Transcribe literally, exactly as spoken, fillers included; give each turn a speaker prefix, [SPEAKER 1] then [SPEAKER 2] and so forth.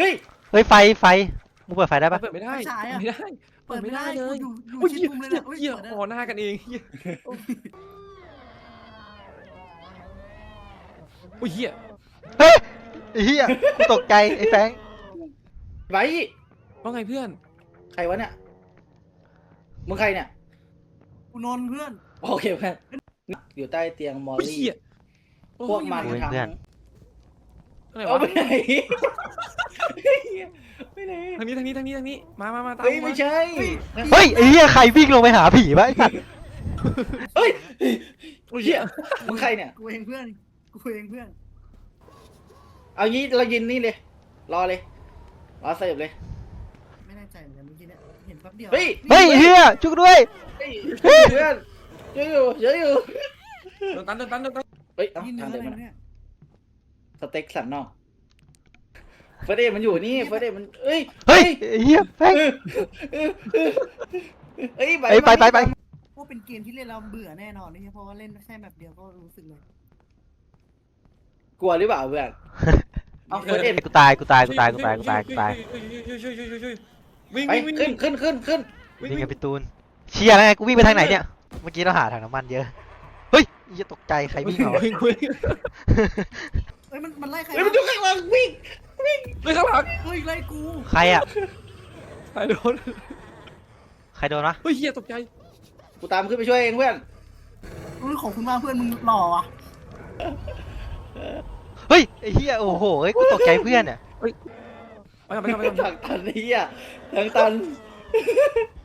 [SPEAKER 1] ฮ้ย
[SPEAKER 2] เฮ้ยไฟไฟมึงเปิดไฟได้ปะ
[SPEAKER 3] เปิดไม่ได้
[SPEAKER 4] ไม่ใช่อะ
[SPEAKER 3] ไม่ได้
[SPEAKER 4] เปิดไม่ได้
[SPEAKER 3] เล
[SPEAKER 4] กู
[SPEAKER 3] ย
[SPEAKER 4] อยู่อยู่
[SPEAKER 3] โอ้ย
[SPEAKER 4] ชิด
[SPEAKER 3] เหี้ย
[SPEAKER 4] มุมเลย
[SPEAKER 3] เหี้ย
[SPEAKER 4] นะอุ้ย
[SPEAKER 3] เหี้ย
[SPEAKER 4] เปิดได้
[SPEAKER 3] อ๋อหน้ากันเองเหี้ยโอ้ยเหี้ย
[SPEAKER 2] เฮ้ยไอ้เหี้ยกูตกใจไอ้แฟง
[SPEAKER 1] ไว้
[SPEAKER 3] ว่าไงเพื่อน
[SPEAKER 1] ใครวะเนี่ยมึงใครเนี่ย
[SPEAKER 4] กูนอนเพื่อน
[SPEAKER 1] โอเคเพื่อนอยู่ใต้เตียงมอล
[SPEAKER 3] โอ้ย
[SPEAKER 1] ลี่
[SPEAKER 3] เหี้ย
[SPEAKER 1] พวกมันทั้ง
[SPEAKER 3] อะไร
[SPEAKER 1] เอา
[SPEAKER 3] วะ
[SPEAKER 1] ไปไหนไปไหน
[SPEAKER 3] ทางนี้ทางนี้ทางนี้ทางนี้มามามาตาม
[SPEAKER 1] เฮ้ย
[SPEAKER 3] กู
[SPEAKER 1] ไม่
[SPEAKER 3] มา
[SPEAKER 1] ใช่
[SPEAKER 2] เฮ้ยไอ้เหี้ยใครวิ่งลงไปหาผีวะไอ้สัตว์
[SPEAKER 1] เฮ้ย
[SPEAKER 3] โอ้ย
[SPEAKER 1] เฮี
[SPEAKER 3] เหี้
[SPEAKER 1] ย
[SPEAKER 3] ย
[SPEAKER 1] มึงใครเนี่ย
[SPEAKER 4] กูเองเพื่อนกูเองเพื่อน
[SPEAKER 1] เอางี้เรายินนี่เลยรอเลยรอเสิร์ฟเลย
[SPEAKER 4] ไม่แน่ใจเหมือนกันเมื่อกี้เนี่ยเห็นแป๊บเดียว
[SPEAKER 1] เฮ้ย
[SPEAKER 2] เฮ้ยไอ้เหี้ยจุกด้วย
[SPEAKER 1] เฮ้ยเพื่อนเยอะอยู่เยอะอยู่
[SPEAKER 3] โดนตันโดนตันโดนตัน
[SPEAKER 1] เฮ้ยเอ้า
[SPEAKER 4] นี่เนื้
[SPEAKER 1] ทา
[SPEAKER 4] อง อะ
[SPEAKER 1] เดิน
[SPEAKER 4] ไร
[SPEAKER 1] มา
[SPEAKER 4] เนี่ย
[SPEAKER 1] สเต็กสันนอกเฟรเดมันอยู่นี่เฟรเดมันเอ้ย
[SPEAKER 2] เฮ้ยไอ้เหี้ยแฟง
[SPEAKER 1] เอ้ย
[SPEAKER 2] เอ้ยไปไปไป
[SPEAKER 4] ว่าเป็นเกมที่เล่นเราเบื่อแน่นอนนี่เพราะว่าเล่นแค่แบบเดียวก็รู้สึกเลย
[SPEAKER 1] กลัวหรือเปล่าเพื่อนเอาเฟรเด
[SPEAKER 2] กูตายกูตายกูตายกูตายกูตายกูตาย
[SPEAKER 3] ช่วยช่วยช่วยช่วยช่วยวิ่ง
[SPEAKER 1] ไป
[SPEAKER 3] วิ่งวิ่ง
[SPEAKER 1] ขึ้นขึ้นขึ้นขึ้น
[SPEAKER 3] วิ่ง
[SPEAKER 2] นี่
[SPEAKER 3] วิ่
[SPEAKER 2] ไง
[SPEAKER 3] ง
[SPEAKER 2] พี่ตูนเชียร์แล้วไงกูวิ่งไปทางไหนเนี่ยเมื่อกี้เราหาถังน้ำมันเยอะเฮ้ยอย่าตกใจใครวิ่งเหรอ
[SPEAKER 3] วิ่งวิ่ง
[SPEAKER 4] เฮ้ยมันมันไล่ใคร
[SPEAKER 1] เฮ้ยมันอยู่ข้างหลังวิ่งวิ่ง
[SPEAKER 3] วิ่งข้างหลัง
[SPEAKER 4] เฮ้ยไล่กู
[SPEAKER 2] ใครอ่ะ
[SPEAKER 3] ใครโดน
[SPEAKER 2] ใครโดนวะ
[SPEAKER 3] เฮ้ยเหี้ยตกใจ
[SPEAKER 1] กูตามขึ้นไปช่วยเองเพื่อน
[SPEAKER 4] เฮ้ยของคุณมากเพื่อนมึงหล่อว่ะ
[SPEAKER 2] เฮ้ยไอ้เหี้ยโอ้โหเฮ้ยกูตกใจเพื่อนอ่ะ
[SPEAKER 3] ไปก่อนไปก่อนไปก่อน
[SPEAKER 1] ทางตันนี่อ่ะทางตัน